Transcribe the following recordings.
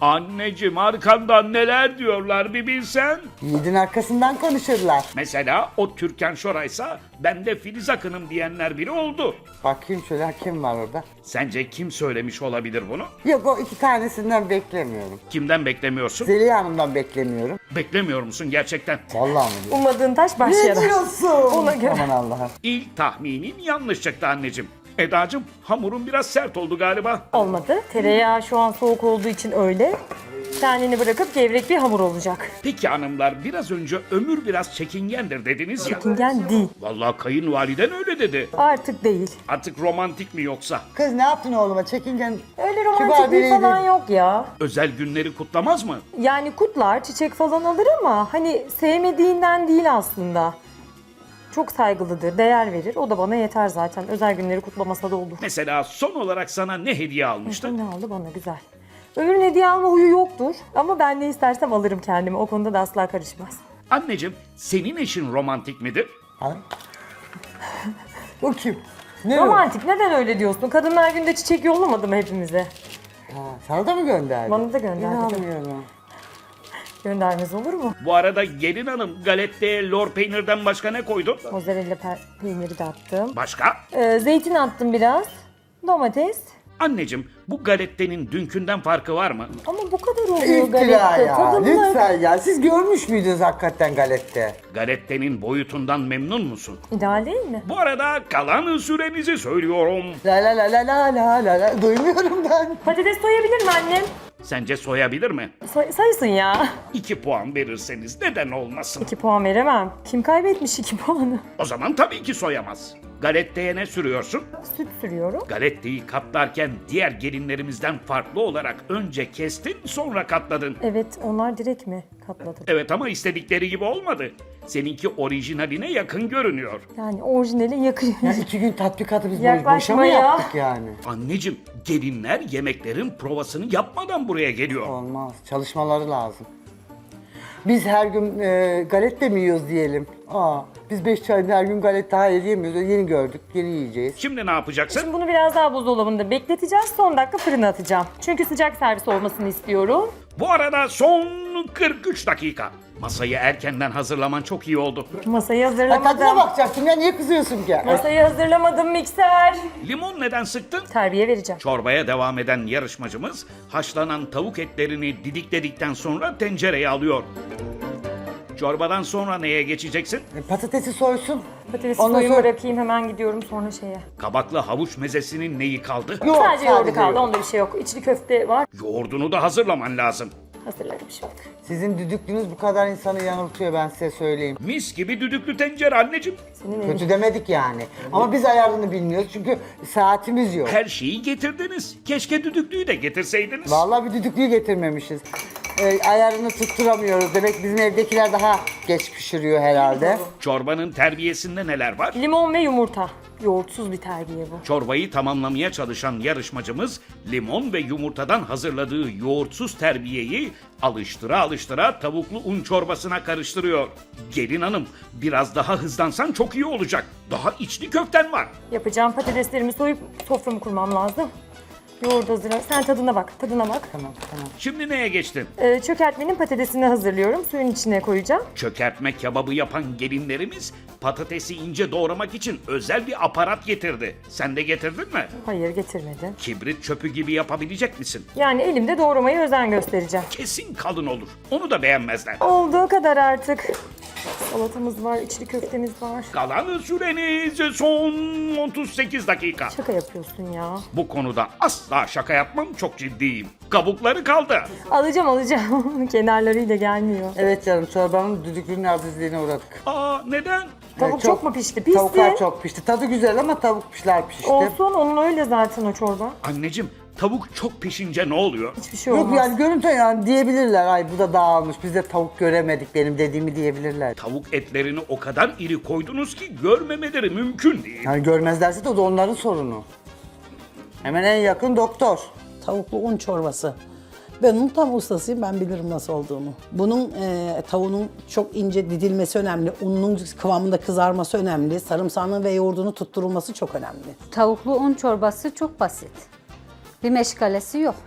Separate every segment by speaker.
Speaker 1: Anneciğim arkandan neler diyorlar bir bilsen.
Speaker 2: Yiğidin arkasından konuşurlar.
Speaker 1: Mesela o Türkan Şoray'sa ben de Filiz Akın'ım diyenler biri oldu.
Speaker 2: Bakayım şöyle, kim var orada?
Speaker 1: Sence kim söylemiş olabilir bunu?
Speaker 2: Yok, o iki tanesinden beklemiyorum.
Speaker 1: Kimden beklemiyorsun?
Speaker 2: Zeliha Hanım'dan beklemiyorum.
Speaker 1: Beklemiyor musun gerçekten?
Speaker 2: Vallahi mi diyorsun?
Speaker 3: Ummadığın taş baş
Speaker 2: Ne
Speaker 3: yarar.
Speaker 2: diyorsun?
Speaker 3: Ona göre.
Speaker 2: Aman Allah'ım.
Speaker 1: İlk tahminin yanlış çıktı anneciğim. Edacığım hamurun biraz sert oldu galiba.
Speaker 3: Olmadı. Tereyağı şu an soğuk olduğu için öyle. Kendini bırakıp gevrek bir hamur olacak.
Speaker 1: Peki hanımlar biraz önce Ömür biraz çekingendir dediniz ya.
Speaker 3: Çekingen değil.
Speaker 1: Vallahi kayınvaliden öyle dedi.
Speaker 3: Artık değil.
Speaker 1: Artık romantik mi yoksa?
Speaker 2: Kız ne yaptın oğluma? Çekingen.
Speaker 3: Öyle
Speaker 2: Kibar
Speaker 3: romantik bir
Speaker 2: biriydi.
Speaker 3: falan yok ya.
Speaker 1: Özel günleri kutlamaz mı?
Speaker 3: Yani kutlar, çiçek falan alır ama hani sevmediğinden değil aslında. Çok saygılıdır, değer verir. O da bana yeter zaten. Özel günleri kutlamasa da olur.
Speaker 1: Mesela son olarak sana ne hediye almıştı?
Speaker 3: Ne aldı bana güzel. Ömür'ün hediye alma huyu yoktur. Ama ben ne istersem alırım kendime. O konuda da asla karışmaz.
Speaker 1: Anneciğim senin eşin romantik midir?
Speaker 2: Ha? O kim? Ne o?
Speaker 3: Romantik neden öyle diyorsun? Kadınlar Günü'nde çiçek yollamadı mı hepimize?
Speaker 2: Ha, sana da mı gönderdi?
Speaker 3: Bana da gönderdi.
Speaker 2: İnanmıyorum.
Speaker 3: Göndermez olur mu?
Speaker 1: Bu arada gelin hanım galetteye lor peynirden başka ne koydun?
Speaker 3: Mozzarella peyniri de attım.
Speaker 1: Başka?
Speaker 3: Zeytin attım biraz. Domates.
Speaker 1: Anneciğim bu galettenin dünkünden farkı var mı?
Speaker 3: Ama bu kadar oluyor
Speaker 2: İftira
Speaker 3: galette.
Speaker 2: ya.
Speaker 3: Tadımlar.
Speaker 2: Lütfen ya. Siz görmüş müydünüz hakikaten galette?
Speaker 1: Galettenin boyutundan memnun musun?
Speaker 3: İdeal değil mi?
Speaker 1: Bu arada kalan sürenizi söylüyorum.
Speaker 2: La la la la la la la la. Duymuyorum ben.
Speaker 3: Patates soyabilir mi annem?
Speaker 1: Sence soyabilir mi?
Speaker 3: Sayısın ya.
Speaker 1: 2 puan verirseniz neden olmasın?
Speaker 3: 2 puan veremem. Kim kaybetmiş 2 puanı?
Speaker 1: O zaman tabii ki soyamaz. Galetteye ne sürüyorsun?
Speaker 3: Süt sürüyorum.
Speaker 1: Galetteyi katlarken diğer gelinlerimizden farklı olarak önce kestin sonra katladın.
Speaker 3: Evet, onlar direkt mi katladı?
Speaker 1: Evet ama istedikleri gibi olmadı. Seninki orijinaline yakın görünüyor.
Speaker 3: Yani orijinali yakın.
Speaker 2: Ya 2 gün tatbikatı biz
Speaker 3: Yaklaşma
Speaker 2: boşa mı
Speaker 3: ya.
Speaker 2: yaptık yani?
Speaker 1: Anneciğim gelinler yemeklerin provasını yapmadan buraya geliyor.
Speaker 2: Olmaz. Çalışmaları lazım. Biz her gün galette mi yiyoruz diyelim. Biz 5 çayda her gün galette hayır yemiyoruz. Yeni gördük, yeni yiyeceğiz.
Speaker 1: Şimdi ne yapacaksın?
Speaker 3: Şimdi bunu biraz daha buzdolabında bekleteceğiz. Son dakika fırına atacağım. Çünkü sıcak servis olmasını istiyorum.
Speaker 1: Bu arada son 43 dakika. Masayı erkenden hazırlaman çok iyi oldu.
Speaker 3: Masayı
Speaker 2: Ha, tadına
Speaker 3: hazırlamadım.
Speaker 2: bakacaktım ya, niye kızıyorsun ki?
Speaker 3: Masayı hazırlamadım mikser.
Speaker 1: Limon neden sıktın?
Speaker 3: Terbiye vereceğim.
Speaker 1: Çorbaya devam eden yarışmacımız haşlanan tavuk etlerini didikledikten sonra tencereye alıyor. Çorbadan sonra neye geçeceksin?
Speaker 2: Patatesi soysun.
Speaker 3: Patatesi
Speaker 2: Ondan
Speaker 3: soyumu
Speaker 2: sonra-
Speaker 3: bırakayım hemen gidiyorum sonra şeye.
Speaker 1: Kabaklı havuç mezesinin neyi kaldı?
Speaker 2: Yok,
Speaker 3: Sadece yoğurdu kaldı.
Speaker 2: yoğurt.
Speaker 3: Onda bir şey yok. İçli köfte var.
Speaker 1: Yoğurdunu da hazırlaman lazım.
Speaker 3: Hazırlarım şimdi.
Speaker 2: Sizin düdüklünüz bu kadar insanı yanıltıyor, ben size söyleyeyim.
Speaker 1: Mis gibi düdüklü tencere anneciğim.
Speaker 3: Senin elin.
Speaker 2: Kötü demedik yani. Ama biz ayarını bilmiyoruz çünkü saatimiz yok.
Speaker 1: Her şeyi getirdiniz. Keşke düdüklüyü de getirseydiniz.
Speaker 2: Vallahi bir düdüklüyü getirmemişiz. Ayarını tutturamıyoruz. Demek bizim evdekiler daha geç pişiriyor herhalde.
Speaker 1: Çorbanın terbiyesinde neler var?
Speaker 3: Limon ve yumurta. Yoğurtsuz bir terbiye bu.
Speaker 1: Çorbayı tamamlamaya çalışan yarışmacımız limon ve yumurtadan hazırladığı yoğurtsuz terbiyeyi alıştıra alıştıra tavuklu un çorbasına karıştırıyor. Gelin hanım biraz daha hızlansan çok iyi olacak. Daha içli köften var.
Speaker 3: Yapacağım patateslerimi soyup soframı kurmam lazım. Yoğurdu hazırla. Sen tadına bak, tadına bak.
Speaker 2: Tamam.
Speaker 1: Şimdi neye geçtin?
Speaker 3: Çökertmenin patatesini hazırlıyorum. Suyun içine koyacağım.
Speaker 1: Çökertme kebabı yapan gelinlerimiz patatesi ince doğramak için özel bir aparat getirdi. Sen de getirdin mi?
Speaker 3: Hayır getirmedim.
Speaker 1: Kibrit çöpü gibi yapabilecek misin?
Speaker 3: Yani elimde doğramaya özen göstereceğim.
Speaker 1: Kesin kalın olur. Onu da beğenmezler.
Speaker 3: Olduğu kadar artık. Salatamız var, içli köftemiz var.
Speaker 1: Kalan süreniz son 38 dakika.
Speaker 3: Şaka yapıyorsun ya.
Speaker 1: Bu konuda asla şaka yapmam, çok ciddiyim. Kabukları kaldı.
Speaker 3: Alacağım. Kenarlarıyla gelmiyor.
Speaker 2: Evet canım, çorbanın düdüklünün azizliğine uğradık.
Speaker 1: Aa neden?
Speaker 3: Tavuk çok mu pişti? Pişti.
Speaker 2: Tavuklar çok pişti. Tadı güzel ama tavuklar pişti.
Speaker 3: Olsun, onun öyle zaten o çorba.
Speaker 1: Anneciğim tavuk çok pişince ne oluyor?
Speaker 3: Hiçbir şey
Speaker 2: Yok
Speaker 3: olmaz.
Speaker 2: yani görüntü yani diyebilirler. Ay bu da dağılmış. Biz de tavuk göremedik benim dediğimi diyebilirler.
Speaker 1: Tavuk etlerini o kadar iri koydunuz ki görmemeleri mümkün değil.
Speaker 2: Yani görmezlerse de o da onların sorunu. Hemen en yakın doktor.
Speaker 4: Tavuklu un çorbası. Ben onun tam ustasıyım, ben bilirim nasıl olduğunu. Bunun tavuğunun çok ince didilmesi önemli, ununun kıvamında kızarması önemli, sarımsağının ve yoğurdunu tutturulması çok önemli.
Speaker 5: Tavuklu un çorbası çok basit. Bir meşgalesi yok.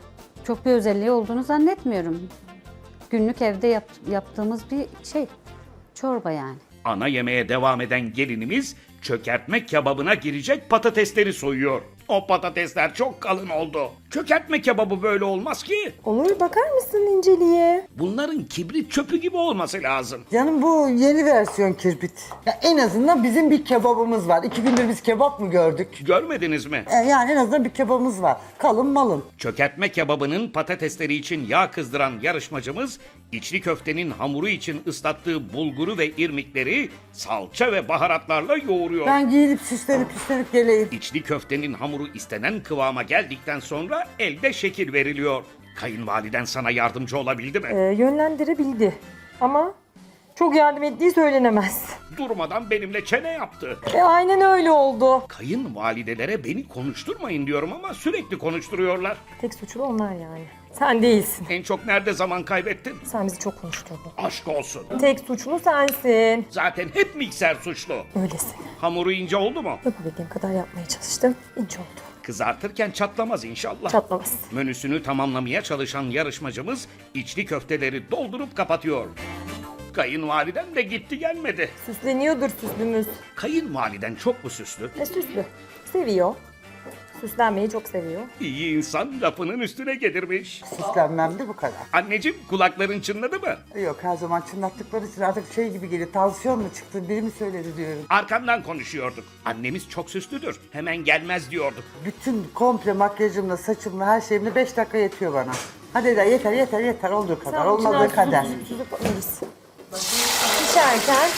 Speaker 5: Çok bir özelliği olduğunu zannetmiyorum. Günlük evde yaptığımız bir şey. Çorba yani.
Speaker 1: Ana yemeğe devam eden gelinimiz çökertme kebabına girecek patatesleri soyuyor. O patatesler çok kalın oldu. Çökertme kebabı böyle olmaz ki.
Speaker 3: Olur, bakar mısın inceliğe?
Speaker 1: Bunların kibrit çöpü gibi olması lazım.
Speaker 2: Canım bu yeni versiyon kirbit. Ya en azından bizim bir kebabımız var. 2 gündür biz kebap mı gördük?
Speaker 1: Görmediniz mi?
Speaker 2: Yani en azından bir kebabımız var. Kalın malın.
Speaker 1: Çökertme kebabının patatesleri için yağ kızdıran yarışmacımız, içli köftenin hamuru için ıslattığı bulguru ve irmikleri salça ve baharatlarla yoğuruyor.
Speaker 2: Ben giyinip süslenip geleyim.
Speaker 1: İçli köftenin hamuru istenen kıvama geldikten sonra elde şekil veriliyor. Kayınvaliden sana yardımcı olabildi mi?
Speaker 3: Yönlendirebildi. Ama çok yardım ettiği söylenemez.
Speaker 1: Durmadan benimle çene yaptı.
Speaker 3: Aynen öyle oldu.
Speaker 1: Kayınvalidelere beni konuşturmayın diyorum ama sürekli konuşturuyorlar.
Speaker 3: Tek suçlu onlar yani. Sen değilsin.
Speaker 1: En çok nerede zaman kaybettin?
Speaker 3: Sen bizi çok konuşturdun.
Speaker 1: Aşk olsun.
Speaker 3: Tek suçlu sensin.
Speaker 1: Zaten hep mikser suçlu.
Speaker 3: Öylesin.
Speaker 1: Hamuru ince oldu mu?
Speaker 3: Yapabildiğim kadar yapmaya çalıştım. İnce oldu.
Speaker 1: Kızartırken çatlamaz inşallah.
Speaker 3: Çatlamaz.
Speaker 1: Menüsünü tamamlamaya çalışan yarışmacımız içli köfteleri doldurup kapatıyor. Kayınvaliden de gitti gelmedi.
Speaker 3: Süsleniyordur süslümüz.
Speaker 1: Kayınvaliden çok mu süslü?
Speaker 3: Süslü. Seviyor. Süslenmeyi çok seviyor.
Speaker 1: İyi insan lafının üstüne gelirmiş.
Speaker 2: Süslenmem de bu kadar.
Speaker 1: Anneciğim kulakların çınladı mı?
Speaker 2: Yok her zaman çınlattıkları için artık şey gibi geliyor. Tansiyon mu çıktı? Biri mi söyledi diyorum.
Speaker 1: Arkamdan konuşuyorduk. Annemiz çok süslüdür. Hemen gelmez diyorduk.
Speaker 2: Bütün komple makyajımla, saçımla, her şeyimle 5 dakika yetiyor bana. Hadi de yeter olduğu kadar,
Speaker 3: Sen
Speaker 2: olmadığı
Speaker 3: içine
Speaker 2: kadar.
Speaker 3: süzüp alırız. Pişerken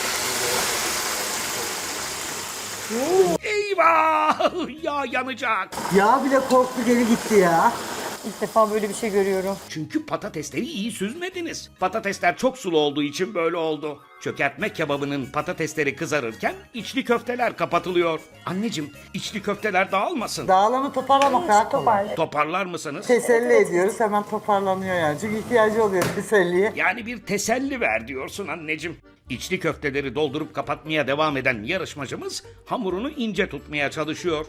Speaker 1: Eyvah! Yağ yanacak.
Speaker 2: Yağ bile korktu geri gitti ya.
Speaker 3: ilk defa böyle bir şey görüyorum.
Speaker 1: Çünkü patatesleri iyi süzmediniz. Patatesler çok sulu olduğu için böyle oldu. Çökertme kebabının patatesleri kızarırken içli köfteler kapatılıyor. Anneciğim, içli köfteler dağılmasın.
Speaker 2: Dağılanı toparlamak daha kolay.
Speaker 3: Toparla.
Speaker 1: Toparlar mısınız?
Speaker 2: Teselli ediyoruz hemen toparlanıyor yani. Çünkü ihtiyacı oluyor teselliye.
Speaker 1: Yani bir teselli ver diyorsun anneciğim. İçli köfteleri doldurup kapatmaya devam eden yarışmacımız hamurunu ince tutmaya çalışıyor.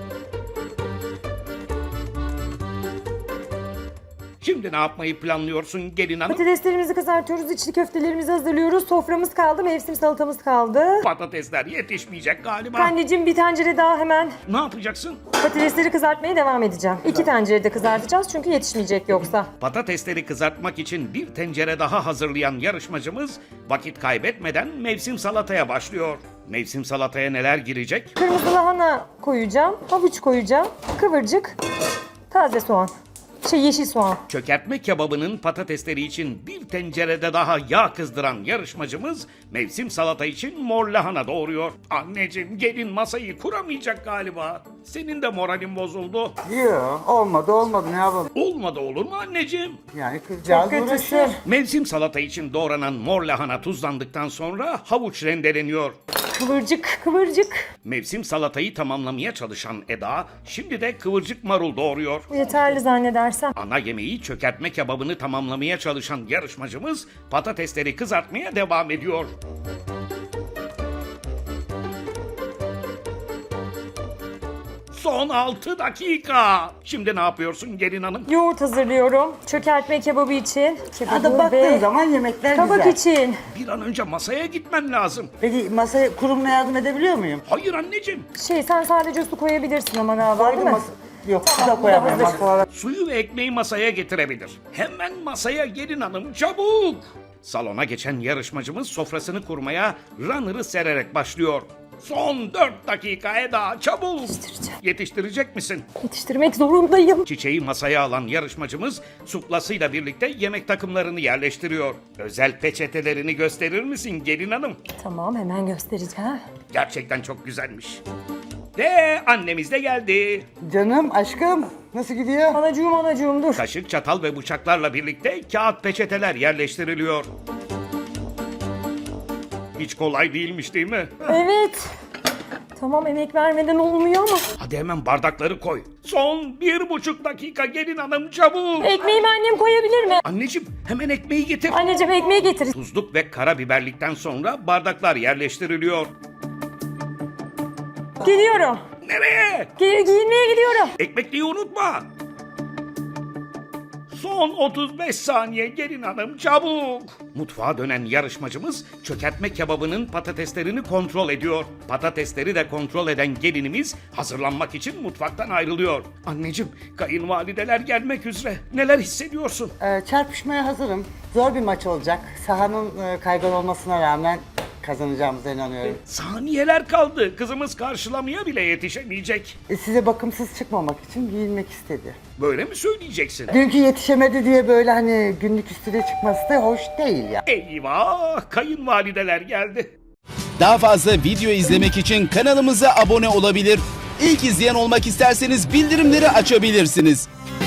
Speaker 1: Şimdi ne yapmayı planlıyorsun gelin hanım?
Speaker 3: Patateslerimizi kızartıyoruz, içli köftelerimizi hazırlıyoruz. Soframız kaldı, mevsim salatamız kaldı.
Speaker 1: Patatesler yetişmeyecek galiba.
Speaker 3: Anneciğim bir tencere daha hemen
Speaker 1: Ne yapacaksın?
Speaker 3: patatesleri kızartmaya devam edeceğim. 2 tencerede kızartacağız çünkü yetişmeyecek yoksa.
Speaker 1: Patatesleri kızartmak için bir tencere daha hazırlayan yarışmacımız vakit kaybetmeden mevsim salataya başlıyor. Mevsim salataya neler girecek?
Speaker 3: Kırmızı lahana koyacağım, havuç koyacağım, kıvırcık, taze soğan. Yeşil soğan.
Speaker 1: Çökertme kebabının patatesleri için bir tencerede daha yağ kızdıran yarışmacımız mevsim salata için mor lahana doğuruyor. Anneciğim gelin masayı kuramayacak galiba. Senin de moralin bozuldu.
Speaker 2: Yok olmadı ne yapalım.
Speaker 1: Olmadı olur mu anneciğim?
Speaker 2: Yani kızcağız
Speaker 3: Çok
Speaker 2: uğraşıyor.
Speaker 3: kötüsün.
Speaker 1: Mevsim salata için doğranan mor lahana tuzlandıktan sonra havuç rendeleniyor.
Speaker 3: Kıvırcık, kıvırcık.
Speaker 1: Mevsim salatayı tamamlamaya çalışan Eda şimdi de kıvırcık marul doğuruyor.
Speaker 3: Yeterli zannedersem.
Speaker 1: Ana yemeği çökertme kebabını tamamlamaya çalışan yarışmacımız patatesleri kızartmaya devam ediyor. Son 6 dakika. Şimdi ne yapıyorsun gelin hanım?
Speaker 3: Yoğurt hazırlıyorum. Çökertme kebabı için.
Speaker 2: Hadi baktığın zaman yemekler
Speaker 3: kabak
Speaker 2: güzel.
Speaker 3: için.
Speaker 1: Bir an önce masaya gitmen lazım.
Speaker 2: Peki masaya kurumuna yardım edebiliyor muyum?
Speaker 1: Hayır anneciğim.
Speaker 3: Sen sadece su koyabilirsin ama galiba değil mi?
Speaker 2: Yok
Speaker 3: Tamam,
Speaker 2: su da
Speaker 3: bu da
Speaker 2: koyamam
Speaker 3: hazır.
Speaker 2: masalara.
Speaker 1: Suyu ve ekmeği masaya getirebilir. Hemen masaya gelin hanım çabuk. Salona geçen yarışmacımız sofrasını kurmaya runner'ı sererek başlıyor. Son 4 dakika Eda çabuk.
Speaker 3: Yetiştireceğim.
Speaker 1: Yetiştirecek misin?
Speaker 3: Yetiştirmek zorundayım.
Speaker 1: Çiçeği masaya alan yarışmacımız suplasıyla birlikte yemek takımlarını yerleştiriyor. Özel peçetelerini gösterir misin gelin hanım?
Speaker 3: Tamam, hemen göstereceğim.
Speaker 1: Gerçekten çok güzelmiş. Ve annemiz de geldi.
Speaker 2: Canım aşkım nasıl gidiyor?
Speaker 3: Anacığım dur.
Speaker 1: Kaşık, çatal ve bıçaklarla birlikte kağıt peçeteler yerleştiriliyor. Hiç kolay değilmiş değil mi?
Speaker 3: Evet. Tamam, emek vermeden olmuyor ama.
Speaker 1: Hadi hemen bardakları koy. Son 1,5 dakika gelin hanım çabuk.
Speaker 3: Ekmeğimi annem koyabilir mi?
Speaker 1: Anneciğim hemen ekmeği getir.
Speaker 3: Anneciğim ekmeği getir.
Speaker 1: Tuzluk ve karabiberlikten sonra bardaklar yerleştiriliyor.
Speaker 3: Geliyorum.
Speaker 1: Nereye?
Speaker 3: Giyinmeye gidiyorum.
Speaker 1: Ekmekliği unutma. Son 35 saniye gelin hanım çabuk. Mutfağa dönen yarışmacımız çökertme kebabının patateslerini kontrol ediyor. Patatesleri de kontrol eden gelinimiz hazırlanmak için mutfaktan ayrılıyor. Anneciğim, kayınvalideler gelmek üzere. Neler hissediyorsun?
Speaker 2: Çarpışmaya hazırım. Zor bir maç olacak. Sahanın kaygan olmasına rağmen kazanacağımıza inanıyorum.
Speaker 1: Saniyeler kaldı. Kızımız karşılamaya bile yetişemeyecek.
Speaker 2: Size bakımsız çıkmamak için giyinmek istedi.
Speaker 1: Böyle mi söyleyeceksin?
Speaker 2: Dünkü yetişemedi diye böyle hani günlük üstüne çıkması da hoş değil ya.
Speaker 1: Eyvah! Kayınvalideler geldi.
Speaker 6: Daha fazla video izlemek için kanalımıza abone olabilir. İlk izleyen olmak isterseniz bildirimleri açabilirsiniz.